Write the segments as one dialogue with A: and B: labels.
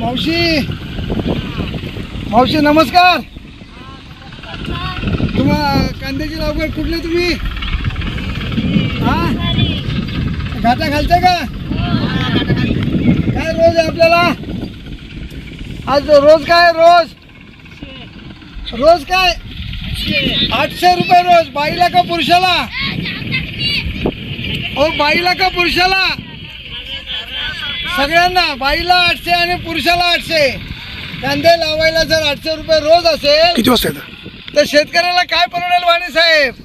A: मावशी मावशी नमस्कार. कांद्याची लागवड कुठले तुम्ही? हा घाटा घालते का? काय रोज आहे आपल्याला आज? रोज काय? रोज काय? 800 रुपये रोज. बाईला का पुरुषाला? ओ बाईला का पुरुषाला? सगळ्यांना. बाईला 800 आणि पुरुषाला 800. कांदे लावायला जर 800 रुपये रोज असेल
B: किती वाजता येतं?
A: तर शेतकऱ्याला काय परवडेल वाणी साहेब?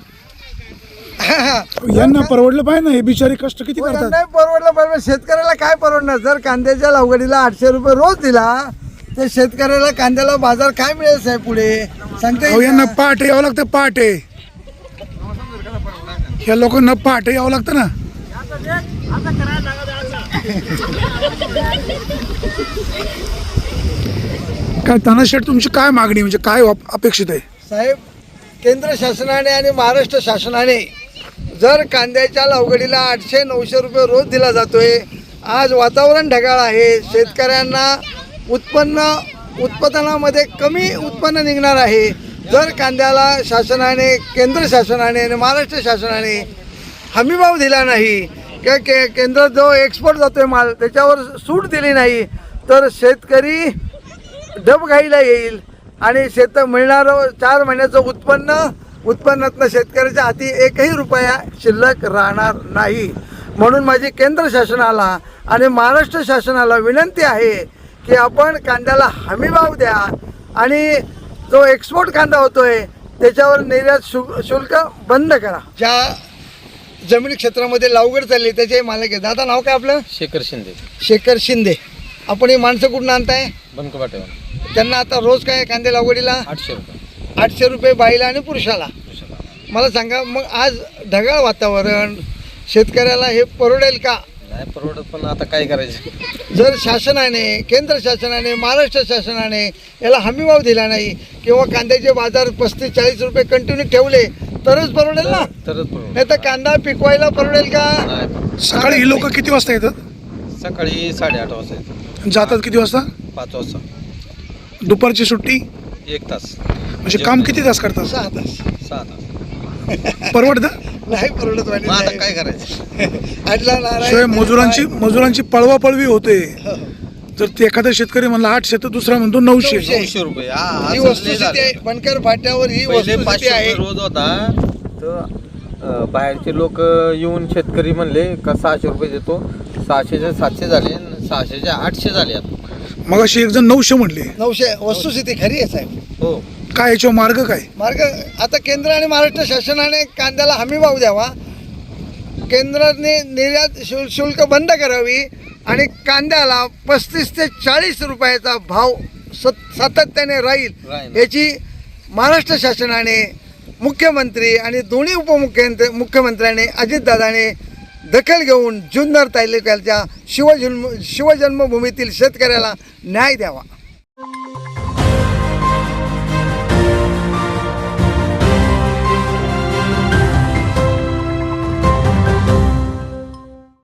B: यांना परवडलं पाहिजे ना, हे बिचारे कष्ट किती करतात.
A: नाही परवडलं पाहिजे. शेतकऱ्याला काय परवडणार? जर कांद्याच्या लागवडीला 800 रुपये रोज दिला तर शेतकऱ्याला कांद्याला बाजार काय मिळेल साहेब पुढे सांगता येईल
B: यांना
A: का?
B: पहाटे यावं लागतं. पहाटे ह्या लोकांना पहाटे यावं लागतं ना. काय तानाशेठ तुमची काय मागणी, म्हणजे काय अपेक्षित आहे?
A: साहेब केंद्र शासनाने आणि महाराष्ट्र शासनाने जर कांद्याच्या लागवडीला 800-900 रुपये रोज दिला जातोय. आज वातावरण ढगाळ आहे. शेतकऱ्यांना उत्पादनामध्ये कमी उत्पन्न निघणार आहे. जर कांद्याला शासनाने, केंद्र शासनाने आणि महाराष्ट्र शासनाने हमीभाव दिला नाही किंवा केंद्र जो एक्सपोर्ट जातोय माल त्याच्यावर सूट दिली नाही तर शेतकरी डबघाईला येईल आणि मिळणारं 4 महिन्याचं उत्पन्नातनं शेतकऱ्याच्या हाती 1ही रुपया शिल्लक राहणार नाही. म्हणून माझी केंद्र शासनाला आणि महाराष्ट्र शासनाला विनंती आहे की आपण कांद्याला हमीभाव द्या आणि जो एक्सपोर्ट कांदा होतोय त्याच्यावर निर्यात शुल्क बंद करा. ज्या जमीन क्षेत्रामध्ये लागवड चालली त्याचे मालक आहे. दादा नाव काय आपलं? शेखर शिंदे. आपण ही माणसं कुठून आणताय?
C: बनकवाटे.
A: त्यांना आता रोज काय कांदे लागवडीला?
C: 800 रुपये.
A: 800 रुपये बाईला आणि पुरुषाला. मला सांगा मग आज ढगाळ वातावरण शेतकऱ्याला हे परवडेल का?
C: नाही परवडत, पण आता काय करायचं?
A: जर शासनाने, केंद्र शासनाने, महाराष्ट्र शासनाने याला हमीभाव दिला नाही किंवा कांद्याचे बाजार 35-40 रुपये कंटिन्यू ठेवले तरच परवडेल ना.
C: तरच परवडत.
A: नाही तर कांदा पिकवायला परवडेल का?
C: नाही.
B: सकाळी ही लोक किती वाजता येतात?
C: सकाळी 8:30 वाजता येतो.
B: जातात किती वाजता?
C: 5 वाजता.
B: दुपारची सुट्टी?
C: 1 तास.
B: म्हणजे काम किती तास करतात?
A: 6 तास.
C: 6 तास.
A: नाही
B: परवडतं?
A: परवडत वाणी
C: मग आता
A: साहेब.
C: काय करायचं?
A: आटला नारायण.
B: शिवाय मजुरांची पळवापळवी होते. जर ते एखादा शेतकरी म्हणला 800 तर दुसरा म्हणतो 900.
C: 900 रुपये. हा,
A: ही
C: असं
A: वस्तुस्थिती
C: नाही
A: आहे.
C: झालं.
A: बनकर फाट्यावर ही
C: पहिले
A: वस्तुस्थिती
C: 500
A: आहे.
C: रुपये रोज होता, तर बाहेरचे लोक येऊन शेतकरी म्हणले का 600 रुपये देतो. 600चे 700 झाले, 600चे 800 झाले आता.
B: मग अशी एक जण 900 म्हणले.
A: 900 वस्तुस्थिती खरी आहे साहेब.
C: हो.
B: काय याच्यावर मार्ग काय?
A: मार्ग आता केंद्र आणि महाराष्ट्र शासनाने कांद्याला हमीभाव द्यावा. केंद्राने निर्यात शुल्क बंद करावी आणि कांद्याला 35 ते 40 रुपयाचा भाव सातत्याने राहील याची महाराष्ट्र शासनाने, मुख्यमंत्री आणि दोन्ही मुख्यमंत्र्याने अजितदादाने दखल घेऊन जुन्नर तालुक्याच्या शिवजन्मभूमीतील शेतकऱ्याला न्याय द्यावा.